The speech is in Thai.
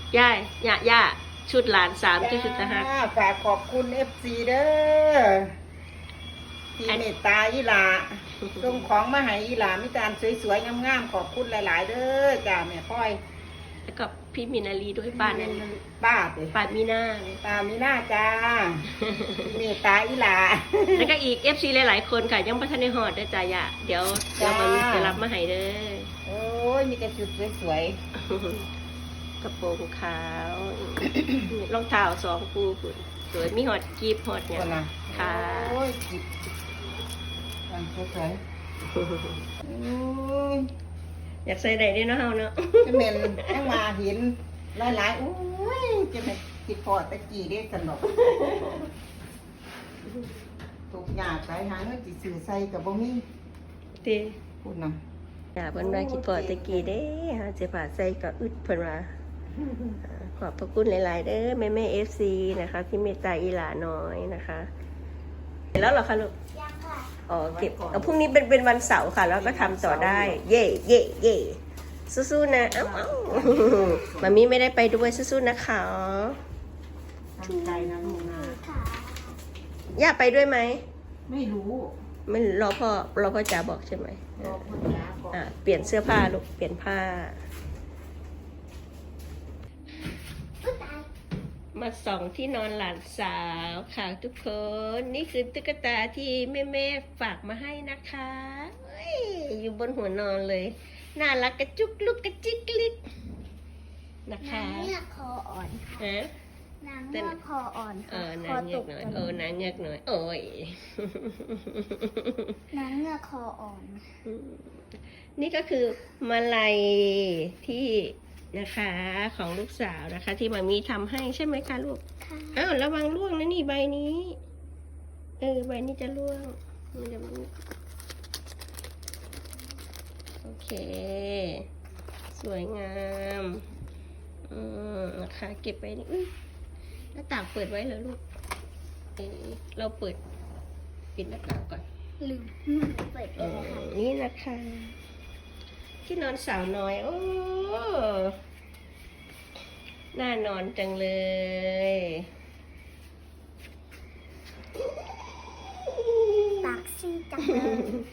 ย่าชุดหลาน3ชุดนะฮะฝากขอบคุณ FC เด้อที่เมตตาอีหลาส่งของมาให้อีหลามีการสวยๆงามๆขอบคุณหลายๆเด้อจ้าแม่พ่อยแล้วก็พี่มินาลีด้วยป้านั่นป้าป้ามีหน้าป้ามีหน้าจ้าเมตตาอีหลาแล้วก็อีก FC หลายๆคนค่ะยังไม่ทันได้ฮอดได้จ้าย่าเดี๋ยวมันจะรับมาให้เด้อโอ้ยมีแต่ชุดสวยกระโปรงขาวรองเท้า2 คู่คุณสวยมีฮอดกีบฮอดเนี่ยค่ะโอ้ยกีบมันสวยอยากใส่ไหนด้วยเนาะเฮาเนาะจะเป็นยังมาเห็นหลายๆโอ้ยจะเป็นติดพอตะกี้ได้สนุกถูกหยาดไปหาเงินจิสื่อใส่กับบ่มีตีพูดนะอย่าเพิ่นว่าคิดพอตะกี้เด้ฮะสิผ่าใส่ก็อึดเพิ่นว่าขอบพระคุณหลายๆเด้อแม่ๆ FC นะคะที่เมตตาอีหลาน้อยนะคะเสร็จแล้วเหรอคะลูกยังค่ะอ๋อเก็บพรุ่งนี้เป็นวันเสาร์ค่ะแล้วก็ทำต่อได้เย่เย่เย่สู้ๆนะเอ้ามามีไม่ได้ไปด้วยสู้ๆนะคะตั้งใจนะลูกนะย่าไปด้วยไหมไม่รู้ไม่รอพ่อจ๋าบอกใช่ไหมรอพ่อจ๋าบอกเปลี่ยนเสื้อผ้าลูกเปลี่ยนผ้ามาส่องที่นอนหลานสาวค่ะทุกคนนี่คือตุ๊กตาที่แม่ฝากมาให้นะคะอยู่บนหัวนอนเลยน่ารักกระจุกลุกกระจิกลิกนะคะนางเงือกคออ่อนค่ะนางเงือกคออ่อนค่ะนางเงือกหน่อยนางเงือกหน่อยโอ้ยนางเงือกคออ่อนนี่ก็คือมาลัยที่นะคะของลูกสาวนะคะที่มามีทำให้ใช่ไหมคะลูกอ้าวระวังร่วงนะนี่ใบนี้ใบนี้จะร่วงมันจะโอเคสวยงามนะคะเก็บไปนี่หน้าต่างเปิดไว้เหรอลูกเราเปิดปิดหน้าต่างก่อนลืมเปิดนี่นะคะที่นอนสาวน้อยโอ้น่านอนจังเลยปากซีจังเลย